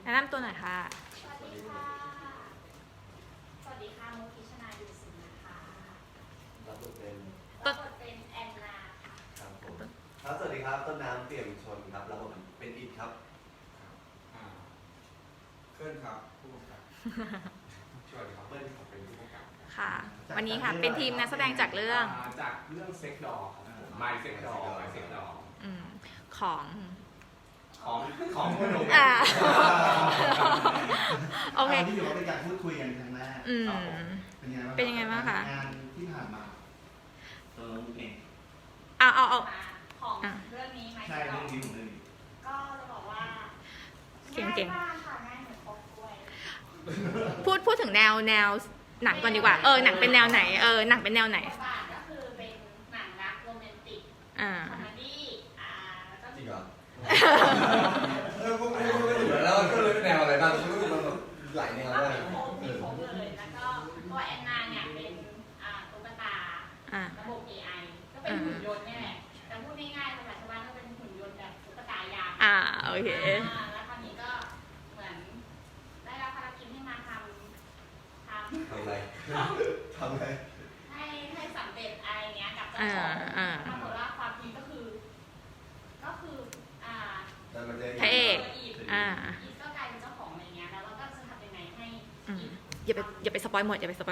นะนำตัวหน่อยค่ะสวัสดีค่ะ สวัสดีค่ะมุกพิชนาดูสินนะคะรับบทเป็นแอนนาค่ะครับผมครับสวัสดีครับต้นน้ำเปี่ยมชนครับรับบทเป็นอิฐครับเคลื่อนครับผู้กำกับสวัสดีครับเบิ้ลครับเป็นผู้กำกับค่ะ วันนี้ค่ะเป็นทีมนักแสดงจากเรื่องเซ็กดอครับผมไมเซ็กดอของพนมโอเคที่ถือว่าเป็นการพูดคุยกันครั้งแรกเป็นยังไงบ้างคะงานที่ผ่านมาตัวน้องเองเอาของเรื่องนี้ไหมใช่เรื่องนี้ของเรื่องนี้ก็จะบอกว่าเก่งๆง่ายมากค่ะง่ายเหมือนครบกล้วยพูดถึงแนวหนังก่อนดีกว่าหนังเป็นแนวไหนหนังเป็นแนวไหนก็คือเป็นหนังรักโรแมนติกคอมเมดี้แล้วก็จริงเหรอแล้วก็เลยเป็นแนวอะไรบ้างมันหลายแนวก็เลยมีครบเลยแล้วก็ตัวแอนนาเนี่ยเป็นตุ๊กตาระบบ AI ก็เป็นหุ่นยนต์นี่แหละแต่พูดง่ายๆภาษาชาวบ้านก็เป็นหุ่นยนต์แบบตุ๊กตายางโอเคแล้วคราวนี้ก็เหมือนได้รับภารกิจให้มาทำอะไรให้สำเร็จอะไรเงี้ยกับเจ้าของปรากฏว่าความจริงก็คือพระเอกอีฟก็กลายเป็นเจ้าของอะไรเงี้ยแล้วเราก็จะทำยังไงให้อย่าไปสปอยหมดเราคง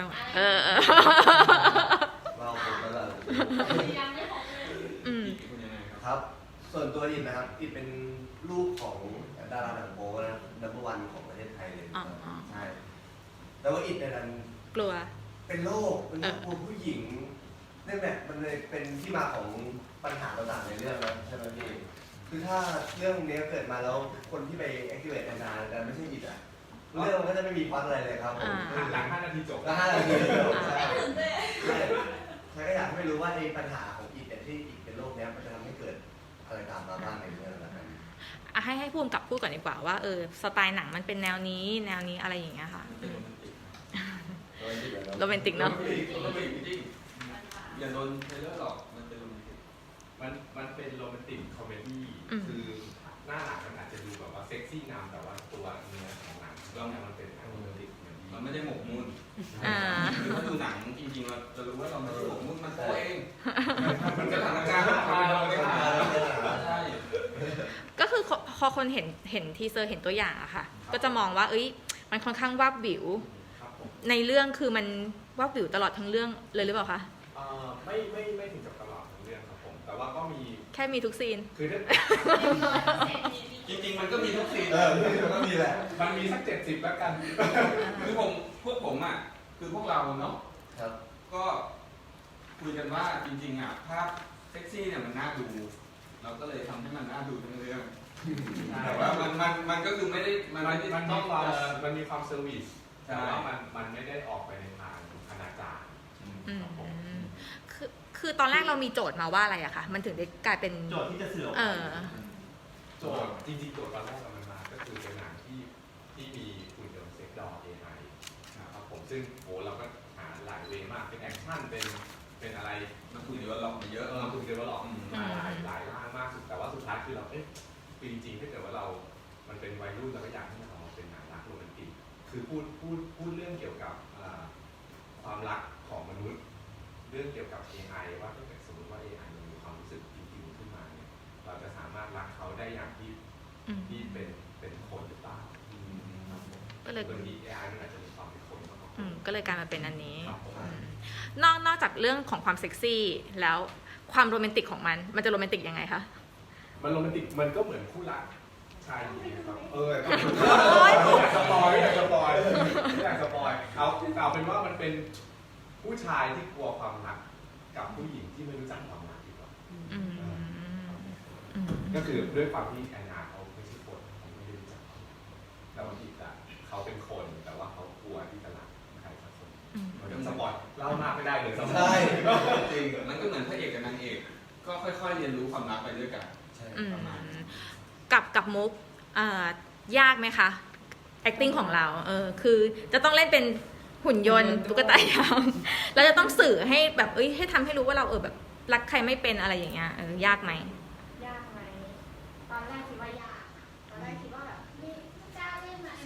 ยังไม่พอเลยครับส่วนตัวอิฐนะครับอิฐเป็นลูกของดาราหนังโป๊นะนัมเบอร์วันของประเทศไทยเลยใช่แต่ว่าอิฐในนั้นกลัวเป็นโรคกลัวผู้หญิงนั่นแหละมันเลยเป็นที่มาของปัญหาต่างๆในเรื่องนะใช่ไหมพี่คือถ้าเรื่องนี้เกิดมาแล้วคนที่ไป activate นานๆแต่ไม่ใช่อิฐอ่ะเรื่องมันก็จะไม่มีพล็อตอะไรเลยครับผมหลัง5 นาทีจบแล้ว5 นาทีจบใช่ก็อยากให้รู้ว่าไอ้ปัญหาของอิฐที่อิฐเป็นโรคนี้มันจะทำให้เกิดอะไรตามมาบ้างในเรื่องนั้นให้พูดกับพูดก่อนดีกว่าว่าสไตล์หนังมันเป็นแนวนี้อะไรอย่างเงี้ยค่ะโรแมนติกเนาะอย่าโดนเทเลอร์หรอกมันเป็นโรแมนติกมันเป็นโรแมนติกคอมเมดี้คือหน้าหนังมันอาจจะดูแบบว่าเซ็กซี่นำแต่ว่าตัวเนื้อของหนังเรื่องนี้มันเป็นโรแมนติกมันไม่ได้หมกมุ่นคือถ้าดูหนังจริงๆเราจะรู้ว่าเราไม่ได้หมกมุ่นมันตัวเองมันจะทำงานเราไม่ได้ใช่ก็คือพอคนเห็นทีเซอร์เห็นตัวอย่างอะค่ะก็จะมองว่ามันค่อนข้างวาบวิวในเรื่องคือมันวาบวิวตลอดทั้งเรื่องเลยหรือเปล่าคะไม่ถึงกับตลอดทั้งเรื่องครับผมแต่ว่าก็มีแค่มีทุกซีนคือจริงๆมันก็มีทุกซีนมันก็มีแหละมันมีสัก70แล้วกันคือพวกผมอ่ะคือพวกเราเนาะก็คุยกันว่าจริงๆอ่ะภาพเซ็กซี่เนี่ยมันน่าดูเราก็เลยทำให้มันน่าดูทั้งเรื่องแต่ว่ามันก็คือไม่ได้มันต้องมันมีความเซอร์วิสแต่ว่ามันไม่ได้ออกไปในทางอนาจารคือตอนแรกเรามีโจทย์มาว่าอะไรอะคะมันถึงได้กลายเป็นโจทย์ที่จะสื่อโจทย์จริงๆโจทย์ตอนแรกมันมาก็คือเป็นหนังที่มีหุ่นยนต์เซ็กดอล AI นะครับผมซึ่งเราก็หาหลายเวย์มากเป็นแอคชั่นเป็นอะไรมันคุยเยอะหรอกเยอะมันคุยเยอะหรอกมาหลายร่างมากสุดแต่ว่าสุดท้ายคือเราคือจริงๆถ้าเกิดว่ามันเป็นวัยรุ่นเราก็อยากให้มันออกมาเป็นหนังรักโรแมนติกคือพูดเรื่องเกี่ยวกับความรักของมนุษย์เรื่องเกี่ยวกับ AI ว่าถ้าเกิดสมมติว่า AI มันมีความรู้สึกจริงๆขึ้นมาเนี่ยเราจะสามารถรักเขาได้อย่างที่เป็นคนหรือเปล่าก็เลยบางที AI มันอาจจะมีความเป็นคนมากกว่าก็เลยกลายมาเป็นอันนี้นอกจากเรื่องของความเซ็กซี่แล้วความโรแมนติกของมันจะโรแมนติกยังไงคะมันโรแมนติกมันก็เหมือนคู่รักชายหญิงครับอยากสปอยเอาเป็นว่ามันเป็นผู้ชายที่กลัวความรักกับผู้หญิงที่ไม่รู้จักความรักดีกว่าก็คือด้วยความที่แอนนาเขาไม่ใช่คนเขาไม่ได้รู้จักแต่บางทีเขาเป็นคนแต่ว่าเขากลัวที่จะรักใครสักคนมันต้องสปอยเล่ามากไม่ได้เลยใช่จริงมันก็เหมือนพระเอกกับนางเอกก็ค่อยๆเรียนรู้ความรักไปด้วยกันกับมุกยากไหมคะ acting ของเราคือจะต้องเล่นเป็นหุ่นยนต์ตุ๊กตายางเราจะต้องสื่อให้แบบให้ทำให้รู้ว่าเราแบบรักใครไม่เป็นอะไรอย่างเงี้ยยากไหมตอนแรกคิดว่ายากตอนแรกคิดว่าแบบนี่กล้าเล่นไหม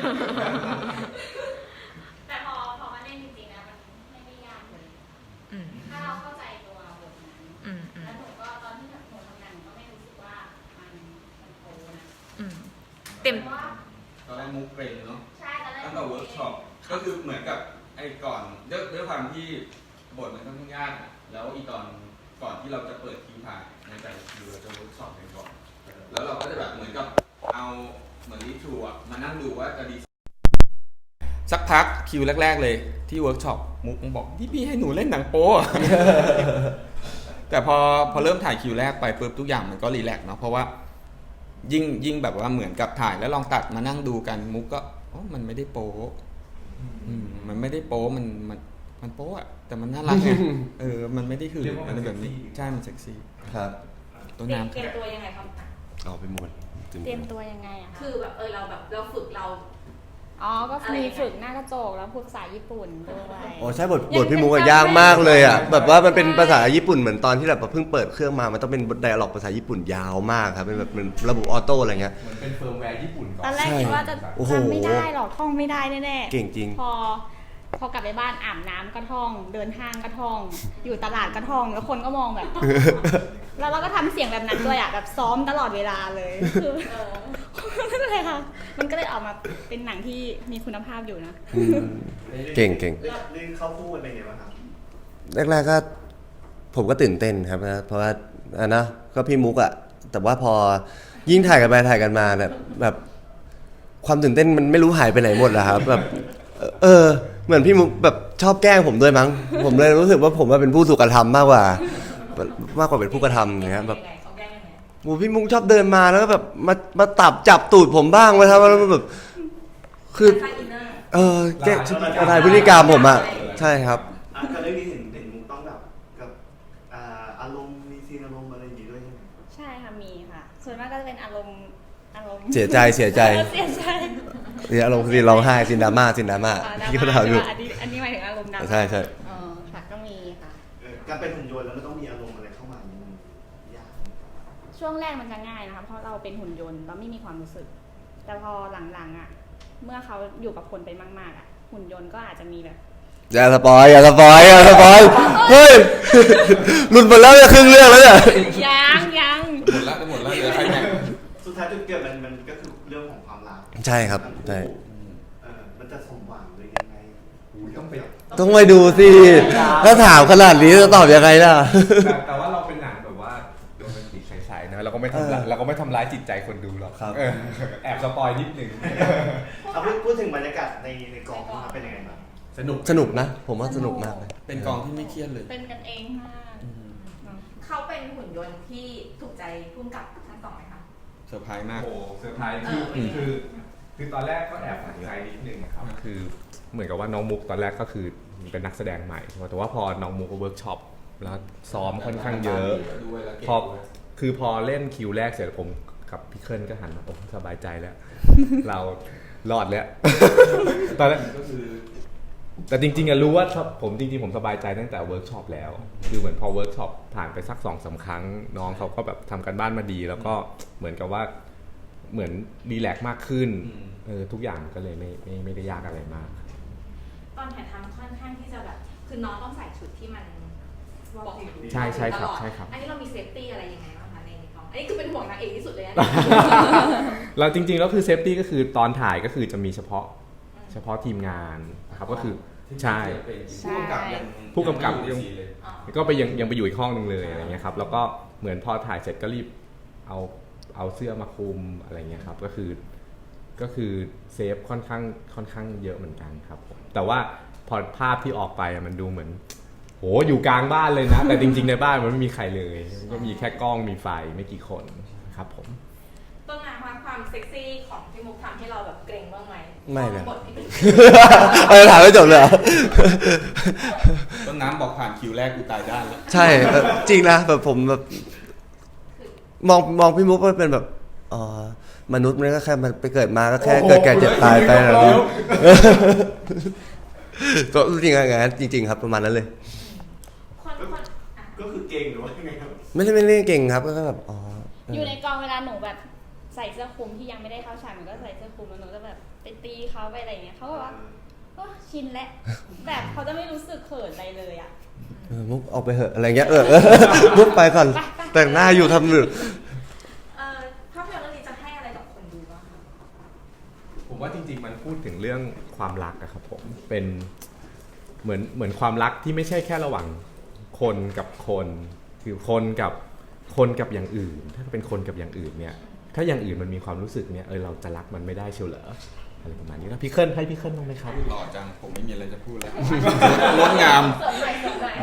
แต่พอมาเล่นจริงๆนะมันไม่ได้ยากเลยอืมถ้าเราเข้าใจตัวบทนั้นอืมอืมแล้วหนูก็ตอนที่หนูทำงานหนูก็ไม่รู้สึกว่ามันโตนะอืมเต็มพราะว่าตอนแรกมุกเกรงเนาะใช่ตอนแรกตั้งแต่เวิร์กช็อปก็คือเหมือนกับไอ้ก่อนด้วยความที่บทมันค่อนข้างยากอะแล้วอีตอนก่อนที่เราจะเปิดคิวถ่ายในแต่ละคิวเราจะเวิร์กช็อปกันก่อนแล้วเราก็จะแบบเหมือนกับเอาเหมือนรีทรูอะมานั่งดูว่าจะดีสักพักคิวแรกๆเลยที่เวิร์กช็อปมุกบอกพี่ให้หนูเล่นหนังโป๊ แต่พอเริ่มถ่ายคิวแรกไปปุ๊บทุกอย่างมันก็รีแลกซ์เนาะเพราะว่ายิ่งแบบว่าเหมือนกับถ่ายแล้วลองตัดมานั่งดูกันมุกก็อ๋อมันไม่ได้โป๊มันไม่ได้โป๊มันโป๊อะแต่มันน่ารักไง มันไม่ได้หืนอะไรแบบนี้ใช่มันเซ็กซี่ครับต้นเตรียมน้ำเตรียมตัวยังไงครับเอาไปหมดเตรียมตัวยังไงอะคะคือแบบเราแบบเราฝึกเราอ๋อก็มีฝึกหน้ากระจกแล้วพูดภาษาญี่ปุ่นด้วยโอ้ใช่บทพี่มุกอะยากมากเลยอ่ะแบบว่ามันเป็นภาษาญี่ปุ่นเหมือนตอนที่แบบเพิ่งเปิดเครื่องมามันต้องเป็นไดอะล็อกภาษาญี่ปุ่นยาวมากครับเป็นแบบเป็นระบบออโต้อะไรเงี้ยเหมือนเป็นเฟิร์มแวร์ญี่ปุ่นก่อนตอนแรกคิดว่าจะโอ้โหจำไม่ได้หรอกท่องไม่ได้แน่ๆเก่งจริงพอกลับไปบ้านอาบน้ำก็ท่อง เดินห้างก็ท่อง อยู่ตลาดก็ท่อง แล้วคนก็มองแบบ แล้วเราก็ทำเสียงแบบนั้นด้วยอ่ะแบบซ้อมตลอดเวลาเลยคือนั่นเลยค่ะมันก็เลยออกมาเป็นหนังที่มีคุณภาพอยู่นะเก่งเรื่องเข้าคู่กันเป็นไงบ้างครับแรกๆก็ผมก็ตื่นเต้นครับนะเพราะว่านะก็พี่มุกอะแต่ว่าพอยิ่งถ่ายกันไปถ่ายกันมาแบบความตื่นเต้นมันไม่รู้หายไปไหนหมดแล้วครับแบบเหมือนพี่มุกแบบชอบแกล้งผมด้วยมั้งผมเลยรู้สึกว่าผมเป็นผู้ถูกกระทำมากกว่าเป็นผู้กระทำนะครับแบบโอ้พี่มุกชอบเดินมาแล้วก็แบบมาจับตูดผมบ้างมาทำอะไรแบบคือแกถ่ายพฤติกรรมผมอะใช่ครับกับเรื่องนี้เห็นมุกต้องแบบกับอารมณ์มีซีนอารมณ์อะไรอย่างงี้ด้วยใช่ไหมใช่ค่ะมีค่ะ ส่วนมากก็จะเป็นอารมณ์เสียใจเสียใจเนี่ยอารมณ์ซีนร้องไห้ซีนดราม่าที่เขาถามอยู่อันนี้หมายถึงอารมณ์ดราม่าใช่ค่ะก็มีค่ะการเป็นหุ่นยนต์แล้วมันต้องมีอารมณ์อะไรเข้ามามันยากช่วงแรกมันจะง่ายนะคะเพราะเราเป็นหุ่นยนต์เราไม่มีความรู้สึก แต่พอหลังๆอ่ะเมื่อเขาอยู่กับคนไปมากๆอ่ะหุ่นยนต์ก็อาจจะมีแบบอย่าสปอยเฮ้ยหลุดหมดแล้วเนี่ยครึ่งเรื่องแล้วเนี่ยยังหมดแล้วเหลือใครแข่งสุดท้ายจุดเกิดมันก็คือเรื่องของความรักใช่ครับใช่มันจะสมหวังหรือยังไงต้องไปดูสิถ้าถามขนาดนี้จะตอบยังไงล่ะแต่ว่าเราเป็นหนังแบบว่าโรแมนติกใสๆนะเราก็ไม่ทำร้ายจิตใจคนดูหรอกครับแอบสปอยนิดนึงพูดถึงบรรยากาศในกองนะครับเป็นยังไงบ้างสนุกนะ ผมว่าสนุกมากเลยเป็นกองที่ไม่เครียดเลยเป็นกันเองมากเขาเป็นหุ่นยนต์ที่ถูกใจพุ่มกับทั้งสองไหมคะเซอร์ไพรส์มากโอ้เซอร์ไพรส์คือตอนแรกก็แอบฝังใจนิดนึงครับคือเหมือนกับว่าน้องมุกตอนแรกก็คือเป็นนักแสดงใหม่แต่ว่าพอน้องมุกเวิร์กช็อปแล้วซ้อมค่อนข้างเยอะพอเล่นคิวแรกเสร็จผมกับพี่เคิลก็หันมาโอ้สบายใจแล้ว เรารอดแล้ว ตอนแรกก็คือแต่จริงๆรู้ว่าผมสบายใจตั้งแต่เวิร์กช็อปแล้วคือเหมือนพอเวิร์กช็อปผ่านไปสัก 2-3 ครั้งน้องเขาก็แบบทำกันบ้านมาดีแล้วก็เหมือนกับว่าเหมือนรีแลกซ์มากขึ้นทุกอย่างก็เลยไม่ได้ยากอะไรมากตอนถ่ายทำค่อนข้างที่จะแบบคือน้องต้องใส่ชุดที่มันบอกอยู่ใช่ครับตลอดใช่ครับอันนี้เรามีเซฟตี้อะไรยังไงบ้างคะในกองอันนี้คือเป็นห่วงนางเอกที่สุดเลยนะเราจริงๆแล้วคือเซฟตี้ก็คือตอนถ่ายก็คือจะมีเฉพาะทีมงานนะครับก็คือใช่ผู้กำกับก็ไปยังไปอยู่อีกห้องนึงเลยอะไรเงี้ยครับแล้วก็เหมือนพอถ่ายเสร็จก็รีบเอาเสื้อมาคลุมอะไรเงี้ยครับก็คือเซฟค่อนข้างเยอะเหมือนกันครับผมแต่ว่าพอภาพที่ออกไปมันดูเหมือนโหอยู่กลางบ้านเลยนะ แต่จริงๆในบ้านมันไม่มีใครเลยก็มีแค่กล้องมีไฟไม่กี่คนครับผมต้นน้ำความเซ็กซี่ของพี่มุกทำให้เราแบบเกรงบ้างไหมไม่เลยบทที่เป็นถามไม่จบเลยเหรอต้นน้ำบอกผ่านคิวแรกกูตายด้านแล้วใช่จริงนะแบบผมแบบมองพี่มุกว่าเป็นแบบมนุษย์มันก็แค่มันไปเกิดมาก็แค่เกิดแก่เจ็บตายไปนะพี่ก็จริงๆไงจริงๆครับประมาณนั้นเลยก็คือเก่งหรือว่ายังไงครับไม่ได้เก่งครับก็แบบอยู่ในกองเวลาหนูแบบใส่เสื้อคลุมที่ยังไม่ได้เข้าฉากหนูก็ใส่เสื้อคลุมแล้วหนูก็แบบไปตีเขาไปอะไรเงี้ยเขาก็ว่าชินแล้วแบบเขาจะไม่รู้สึกเขินอะไรเลยอ่ะมุกออกไปเหอะอะไรเงี้ยมุกไปก่อนแต่งหน้าอยู่ทำหนึ่งภาพยนตร์เรื่องนี้จะให้อะไรกับคนดูบ้างคะผมว่าจริงๆมันพูดถึงเรื่องความรักอะครับผมเป็นเหมือนความรักที่ไม่ใช่แค่ระหว่างคนกับคนคือคนกับอย่างอื่นถ้าเป็นคนกับอย่างอื่นเนี่ยถ้าอย่างอื่นมันมีความรู้สึกเนี่ยเราจะรักมันไม่ได้เชียวเหรออะไรประมาณนี้แล้วพี่เคิลให้พี่เคิลบ้างไหมครับหล่อจังผมไม่มีอะไรจะพูดแล้ว งดงามเสริมหน่อยเสริมหน่อย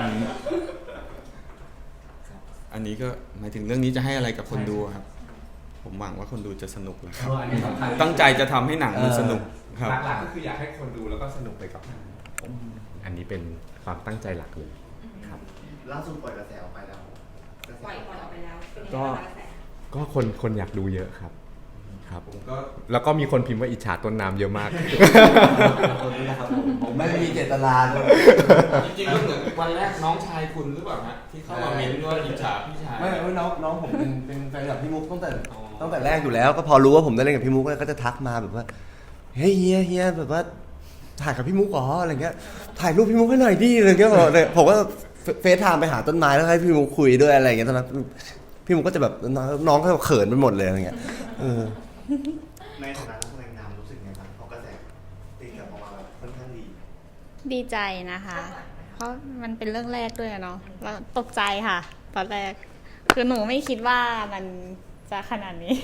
อันนี้ก็หมายถึงเรื่องนี้จะให้อะไรกับคนดูครับผมหวังว่าคนดูจะสนุกแหละครับอันนี้สำคัญตั้งใจจะทำให้หนังมันสนุกครับหลักๆก็คืออยากให้คนดูแล้วก็สนุกไปกับหนังอันนี้เป็นความตั้งใจหลักเลยครับล่าสุดปล่อยกระแสออกไปแล้วปล่อยออกไปแล้วเป็นยังไงบ้างกระแสก็คนอยากดูเยอะครับผมก็แล้วก็มีคนพิมพ์ว่าอิจฉาต้นน้ำเยอะมากคนนี้นะครับผมไม่มีเจตนาเลยจริงๆก็เหมือนวันแรกน้องชายคุณหรือเปล่าฮะที่เข้ามาเม้นต์ว่าอิจฉาพี่ชายไม่น้องผมเป็นแฟนคลับพี่มุกตั้งแต่แรกอยู่แล้ว ก็พอรู้ว่าผมได้เล่นกับพี่มุกก็จะทักมาแบบว่าเฮ้ยเฮียแบบว่าถ่ายกับพี่มุกเหรออะไรเงี้ยถ่ายรูปพี่มุกให้หน่อยดิอะไรเงี้ยผมก็เฟซไทม์ไปหาต้นไม้แล้วให้พี่มุกคุยด้วยอะไรเงี้ยตอนนั้นพี่มุกก็จะแบบน้องก็เขินไปหมดเลยอะไรเงี้ยในฐานะนักแสดงนำรู้สึกไงบ้างเพราะกระแสตีกลับออกมาแบบค่อนข้างดีดีใจนะคะ เพราะมันเป็นเรื่องแรกด้วยเนาะแล้วตกใจค่ะ ตอนแรก คือหนูไม่คิดว่ามันจะขนาดนี้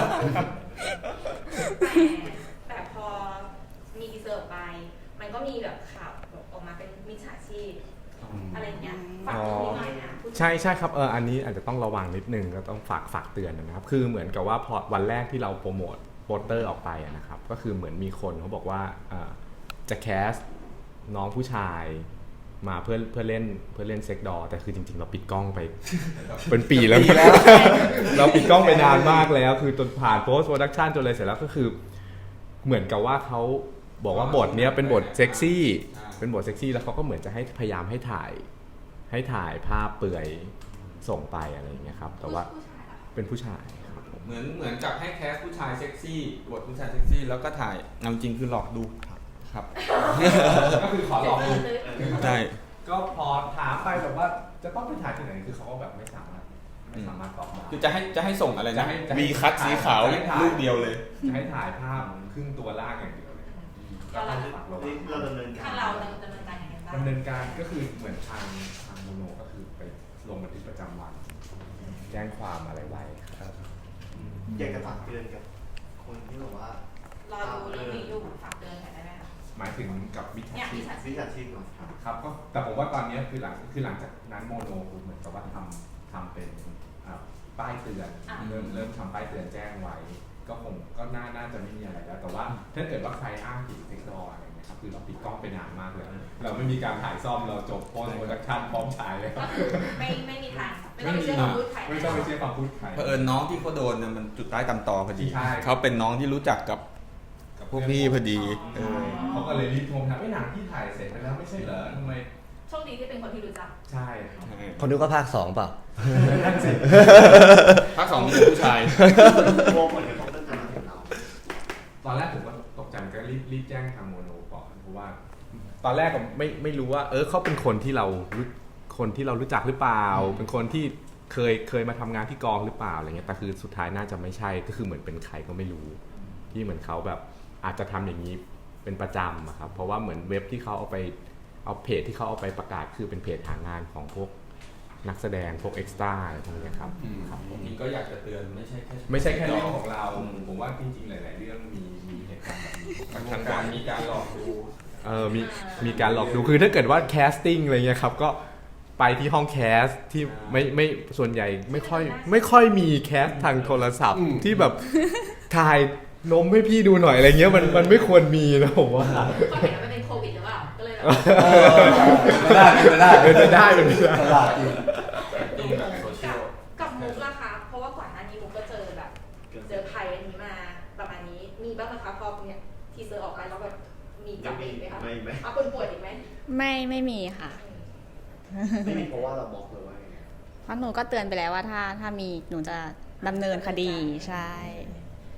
แต่พอมีทีเซอร์ออกไป มันก็มีแบบข่าวออกมาเป็นมิจฉาชีพอะไรอย่างเงี้ยฝากตรงนี้หน่อยนะใช่ครับอันนี้อาจจะต้องระวังนิดนึงก็ต้องฝากเตือนนะครับคือเหมือนกับว่าพอวันแรกที่เราโปรโมทโปสเตอร์ออกไปนะครับก็คือเหมือนมีคนเขาบอกว่าจะแคสน้องผู้ชายมาเพื่อเล่นเซ็กดอแต่คือจริงๆเราปิดกล้องไป เป็นปีแล้ว เราปิดกล้องไปนานมากแล้วคือจนผ่านโพสต์โปรดักชันจนอะไรเสร็จแล้วก็คือเหมือนกับว่าเขาบอกว่าบทเนี้ยเป็นบทเซ็กซี่เป็นบทเซ็กซี่แล้วเขาก็เหมือนจะให้พยายามให้ถ่ายภาพเปลือยส่งไปอะไรอย่างเงี้ยครับแต่ว่าเป็นผู้ชายครับผมเหมือนกับให้แคสผู้ชายเซ็กซี่บทผู้ชายเซ็กซี่แล้วก็ถ่ายเอาจริงคือหลอกดูครับก็คือขอหลอกดูใช่ก็พอถามไปแบบว่าจะต้องไปถ่ายที่ไหนคือเขาก็แบบไม่สามารถตอบได้คือจะให้ส่งอะไรนะจะให้มีคัทสีขาวจะให้ถ่ายรูปเดียวเลยจะให้ถ่ายภาพครึ่งตัวล่างอย่างเดียวเลยก็ต้องฝากระวังเราดำเนินการทางเราดำเนินการยังไงบ้างดำเนินการก็คือเหมือนทางโมโนก็คือไปลงบันทึกประจำวัน แจ้งความอะไรไว้ครับอยากจะฝากเตือนกับคนที่แบบว่ารอดูเรื่องนี้อยู่ฝากเตือนหน่อยได้ไหมคะหมายถึงกับมิจฉาเนี่ยชีมิพจฉาชีวิพชาชีพเนาะครับก็แต่ผมว่าตอนนี้คือหลังจากนั้นโมโนคือเหมือนกับว่าทำเป็นป้ายเตือนเริ่มทำป้ายเตือนแจ้งไว้ ก็น่าจะไม่มีอะไรแล้วแต่ว่าถ้าเกิดว่าใครอ้างผิดเทคโนโลยีอะไรเงี้ยครับคือเราปิดกล้องไปนานมากเลยเราไม่มีการถ่ายซ่อมเราจบโพสต์โปรดักชั่นพร้อมฉายเลยก็คือไม่มีทางไม่ต้องไปเชื่อคำพูดใครไม่ต้องไปเชื่อความพูดใครเผอิญน้องที่เขาโดนเนี่ยมันจุดใต้ตำตอพอดีใช่เขาเป็นน้องที่รู้จักกับพวกพี่พอดีเออเขาก็เลยรีบโทรถามหนังที่ถ่ายเสร็จไปแล้วไม่ใช่เหรอทำไมโชคดีที่เป็นคนที่รู้จักใช่ครับคนนึกว่าภาค 2 เปล่านั่นสิภาค 2มีแต่ผู้ชายโอ้ผลกระทบมันจะมาถึงเราตอนแรกผมก็ตกใจก็รีบแจ้งทางโมโนก่อนเพราะว่า ตอนแรกก็ไม่รู้ว่าเขาเป็นคนที่เรารู้จักหรือเปล่า เป็นคนที่เคยมาทำงานที่กองหรือเปล่าอะไรเงี้ยแต่คือสุดท้ายน่าจะไม่ใช่ก็คือเหมือนเป็นใครก็ไม่รู้ที่เหมือนเขาแบบอาจจะทำอย่างนี้เป็นประจำอะครับเพราะว่าเหมือนเว็บที่เขาเอาเพจที่เขาเอาไปประกาศคือเป็นเพจหางานของพวกนักแสดงพวกเอ็กซ์ตร้าอะไรพวกนี้ครับจริงๆก็อยากจะเตือนไม่ใช่แค่ไม่ใช่แค่เรื่องของเราผมว่าจริงๆหลายๆเรื่องมีเหตุการณ์แบบนี้ทางการมีการหลอกดูมีการหลอกดูคือถ้าเกิดว่าแคสติ้งอะไรเงี้ยครับก็ไปที่ห้องแคสที่ไม่ส่วนใหญ่ไม่ค่อยมีแคสทางโทรศัพท์ที่แบบถ่ายนมให้พี่ดูหน่อยอะไรเงี้ยมันไม่ควรมีนะผมว่าก็เห็นว่ามันเป็นโควิดหรือเปล่าก็เลยแบบไม่ได้เป็นไปได้ตลาดจริงจริงแบบโซเชียลกับมุกล่ะคะเพราะว่าก่อนหน้านี้มุกก็เจอแบบเจอภัยอันนี้มาประมาณนี้มีบ้างไหมคะพอเนี่ยทีเซอร์ออกไปแล้วแบบมีกลับมาอีกไหมคะไม่ไหมเอาคนป่วยอีกไหมไม่มีค่ะไม่มีเพราะว่าเราบล็อกเลยว่าอย่างเงี้ยเพราะหนูก็เตือนไปแล้วว่าถ้ามีหนูจะดำเนินคดีใช่แ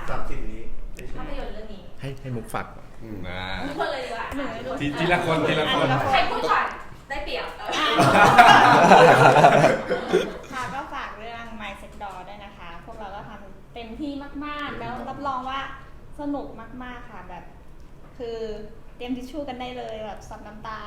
30 นี้ได้ชภาม พยนตร์เรื่องนี้ให้มุกฝักทุกคนเลยดีกว่าทีละคนใครพูดก่อนได้เปรียบค่ะก็ฝากเรื่อง My Sex Doll ด้วยนะคะ พวกเราก็ทำเต็มที่มากๆ แล้วรับรองว่าสนุกมากๆค่ะแบบ คือเตรียมทิชชู่กันได้เลยแบบซับน้ำตา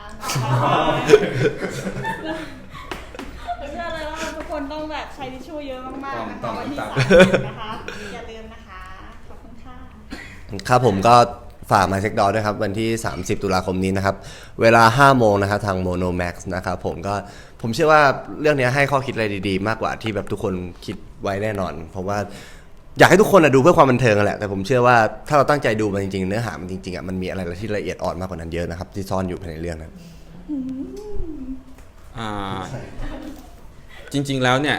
เชื่อเลยว่าทุกคนต้องแบบใช้ทิชชู่เยอะมากๆนะคะวันที่30นะคะ อย่าลืมนะคะ ขอบคุณค่ะครับผมก็ฝาก My Sex Doll ด้วยครับวันที่ 30 ตุลาคมนี้นะครับเวลา 5 โมงนะครับทาง Mono Max นะครับผมเชื่อว่าเรื่องนี้ให้ข้อคิดอะไรดีๆมากกว่าที่แบบทุกคนคิดไว้แน่นอนเพราะว่าอยากให้ทุกคนดูเพื่อความบันเทิงแหละแต่ผมเชื่อว่าถ้าเราตั้งใจดูมันจริงๆเนื้อหามันจริงๆมันมีอะไรที่ละเอียดอ่อนมากกว่านั้นเยอะนะครับที่ซ่อนอยู่ภายในเรื่องนั้นจริงๆแล้วเนี่ย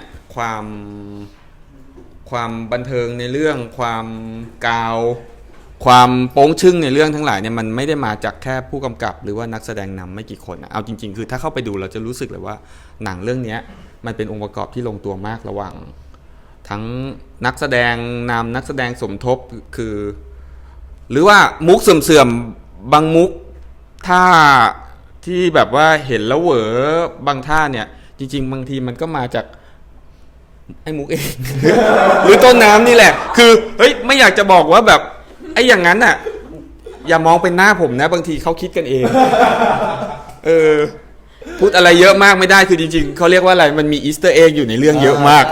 ความบันเทิงในเรื่องความกาวความโป้งชึ่งในเรื่องทั้งหลายเนี่ยมันไม่ได้มาจากแค่ผู้กำกับหรือว่านักแสดงนำไม่กี่คนนะเอาจริงๆคือถ้าเข้าไปดูเราจะรู้สึกเลยว่าหนังเรื่องนี้มันเป็นองค์ประกอบที่ลงตัวมากระหว่างทั้งนักแสดงนำนักแสดงสมทบคือหรือว่ามุกเสื่อมๆบางมุกท่าที่แบบว่าเห็นแล้วเหวอบางท่าเนี่ยจริงๆบางทีมันก็มาจากไอ้มุกเอง หรือต้นน้ำนี่แหละคือเฮ้ยไม่อยากจะบอกว่าแบบไอ้อย่างนั้นน่ะอย่ามองเป็นหน้าผมนะบางทีเขาคิดกันเองพูดอะไรเยอะมากไม่ได้คือจริงๆเขาเรียกว่าอะไรมันมีอีสเตอร์เอ็กอยู่ในเรื่องเยอะมาก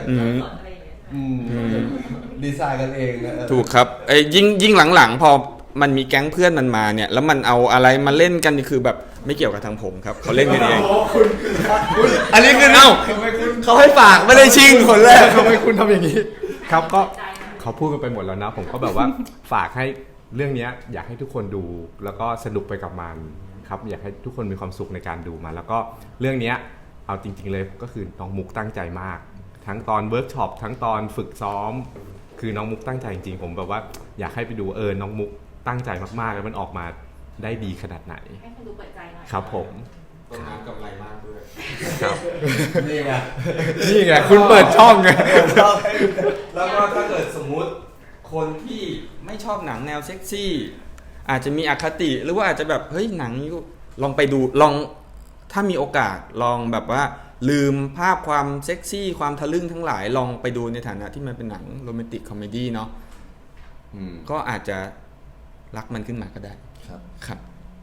ดีไซน์กันเองนะถูกครับไอ้ยิ่งหลังๆพอมันมีแก๊งเพื่อนมันมาเนี่ยแล้วมันเอาอะไรมาเล่นกันนี่คือแบบไม่เกี่ยวกับทางผมครับเขาเล่นกันเองอันนี้คือเขาให้ฝากไม่ได้ชิงคนแรกทำไมคุณทำอย่างนี้ครับก็เขาพูดกันไปหมดแล้วนะผมก็แบบว่าฝากให้เรื่องนี้อยากให้ทุกคนดูแล้วก็สนุกไปกับมันครับอยากให้ทุกคนมีความสุขในการดูมันแล้วก็เรื่องนี้เอาจริงๆเลยก็คือน้องมุกตั้งใจมากทั้งตอนเวิร์กช็อปทั้งตอนฝึกซ้อมคือน้องมุกตั้งใจจริงๆผมแบบว่าอยากให้ไปดูน้องมุกตั้งใจมากๆแล้วมันออกมาได้ดีขนาดไหนให้คนดูเปิดใจหน่อยครับผมต้นน้ำกำไรมากด้วยครับนี่ไงคุณเปิดช่องไงแล้วก็ถ้าเกิดสมมุติคนที่ไม่ชอบหนังแนวเซ็กซี่อาจจะมีอคติหรือว่าอาจจะแบบเฮ้ยหนังนี้ลองไปดูลองถ้ามีโอกาสลองแบบว่าลืมภาพความเซ็กซี่ความทะลึ่งทั้งหลายลองไปดูในฐานะที่มันเป็นหนังโรแมนติกคอมเมดี้เนาะก็อาจจะรักมันขึ้นมาก็ได้ครับ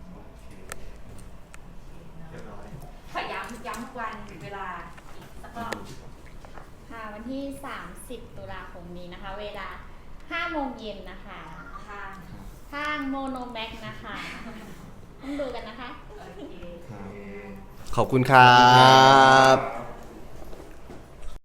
ขอย้ำวันเวลาอีกสักรอบค่ะวันที่30 ตุลาคมนี้นะคะเวลา 5 โมงเย็นนะคะทางโมโนแม็กนะคะต้องดูกันนะคะขอบคุณครับ